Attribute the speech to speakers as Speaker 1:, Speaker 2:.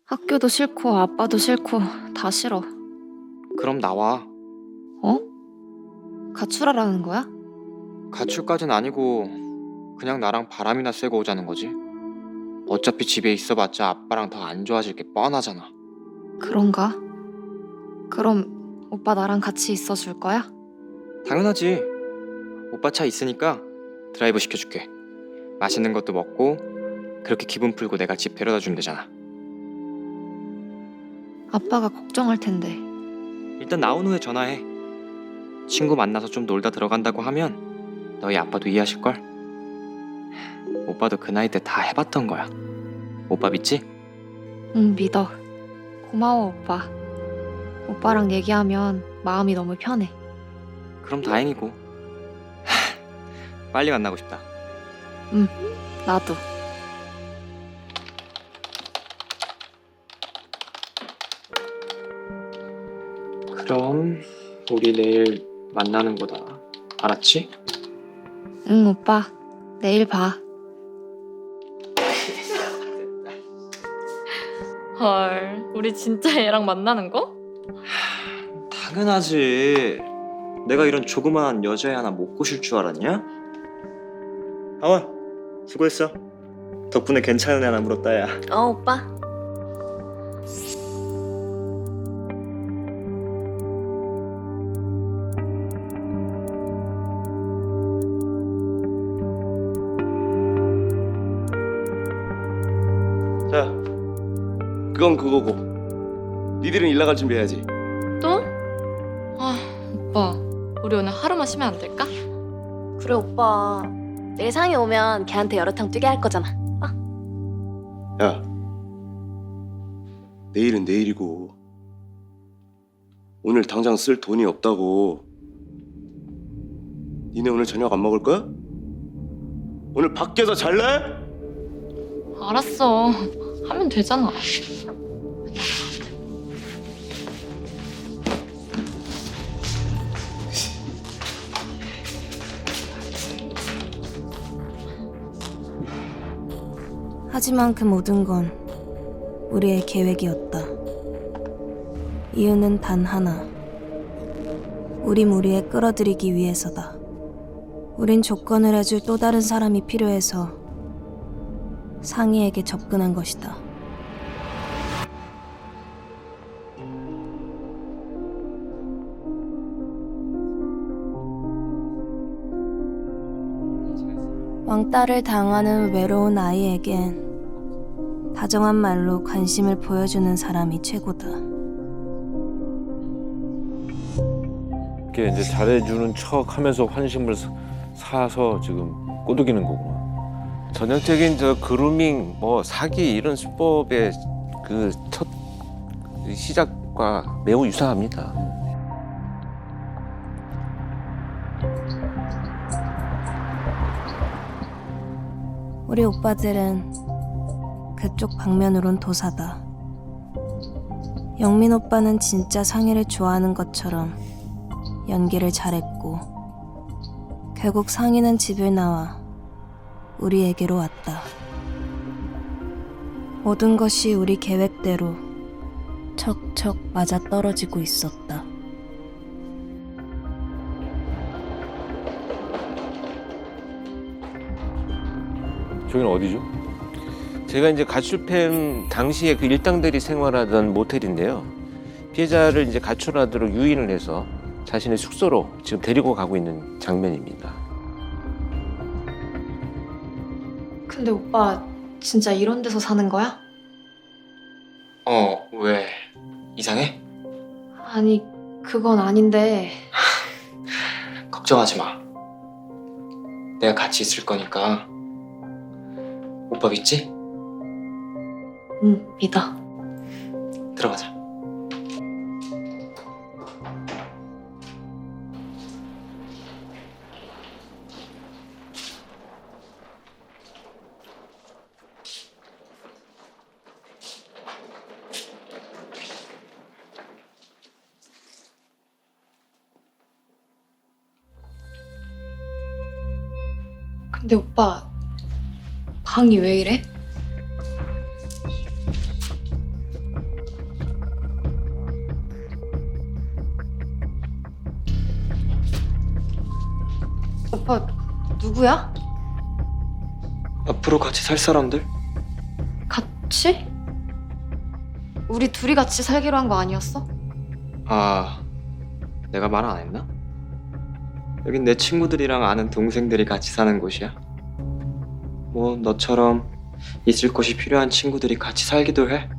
Speaker 1: 학교도 싫고 아빠도 싫고 다 싫어.
Speaker 2: 그럼 나와.
Speaker 1: 어? 가출하라는 거야?
Speaker 2: 가출까진 아니고 그냥 나랑 바람이나 쐬고 오자는 거지. 어차피 집에 있어봤자 아빠랑 더 안 좋아질 게 뻔하잖아.
Speaker 1: 그런가? 그럼 오빠 나랑 같이 있어줄 거야?
Speaker 2: 당연하지. 오빠 차 있으니까 드라이브 시켜줄게. 맛있는 것도 먹고 그렇게 기분 풀고 내가 집 데려다 주면 되잖아.
Speaker 1: 아빠가 걱정할 텐데.
Speaker 2: 일단 나온 후에 전화해. 친구 만나서 좀 놀다 들어간다고 하면 너희 아빠도 이해하실걸? 오빠도 그 나이 때 다 해봤던 거야. 오빠 믿지?
Speaker 1: 응, 믿어. 고마워, 오빠. 오빠랑 얘기하면 마음이 너무 편해.
Speaker 2: 그럼 다행이고. 빨리 만나고 싶다.
Speaker 1: 나도.
Speaker 2: 그럼 우리 내일 만나는 거다. 알았지?
Speaker 1: 응, 오빠. 내일 봐.
Speaker 3: 헐, 우리 진짜 얘랑 만나는 거?
Speaker 2: 당연하지. 내가 이런 조그만한 여자애 하나 못 꼬실 줄 알았냐? 아원, 수고했어. 덕분에 괜찮은 애 하나 물었다, 야.
Speaker 3: 오빠.
Speaker 4: 자, 그건 그거고 니들은 일 나갈 준비해야지.
Speaker 3: 또? 오빠, 우리 오늘 하루만 쉬면 안 될까?
Speaker 5: 그래 오빠 내일 상이 오면 걔한테 여러탕 뛰게 할 거잖아.
Speaker 4: 야, 내일은 내일이고 오늘 당장 쓸 돈이 없다고. 니네 오늘 저녁 안 먹을 거야? 오늘 밖에서 잘래?
Speaker 3: 알았어. 하면 되잖아.
Speaker 6: 하지만 그 모든 건 우리의 계획이었다. 이유는 단 하나. 우리 무리에 끌어들이기 위해서다. 우린 조건을 해줄 또 다른 사람이 필요해서 상희에게 접근한 것이다. 왕따를 당하는 외로운 아이에겐 다정한 말로 관심을 보여주는 사람이 최고다.
Speaker 7: 이렇게 이제 잘해주는 척하면서 환심을 사서 지금 꼬드기는 거구나. 전형적인 저 그루밍, 뭐 사기 이런 수법의 그 첫 시작과 매우 유사합니다.
Speaker 6: 우리 오빠들은 그쪽 방면으론 도사다. 영민 오빠는 진짜 상희를 좋아하는 것처럼 연기를 잘했고 결국 상희는 집을 나와 우리에게로 왔다. 모든 것이 우리 계획대로 척척 맞아떨어지고 있었다.
Speaker 7: 저기는 어디죠? 제가 이제 가출팸 당시에 그 일당들이 생활하던 모텔인데요. 피해자를 이제 가출하도록 유인을 해서 자신의 숙소로 지금 데리고 가고 있는 장면입니다.
Speaker 1: 근데 오빠 진짜 이런 데서 사는 거야?
Speaker 2: 왜? 이상해?
Speaker 1: 아니, 그건 아닌데.
Speaker 2: 걱정하지 마. 내가 같이 있을 거니까. 오빠 믿지?
Speaker 1: 응, 믿어.
Speaker 2: 들어가자.
Speaker 1: 근데 오빠 방이 왜 이래? 오빠 누구야?
Speaker 2: 앞으로 같이 살 사람들?
Speaker 1: 같이? 우리 둘이 같이 살기로 한 거 아니었어?
Speaker 2: 아, 내가 말 안 했나? 여긴 내 친구들이랑 아는 동생들이 같이 사는 곳이야. 뭐 너처럼 있을 곳이 필요한 친구들이 같이 살기도 해.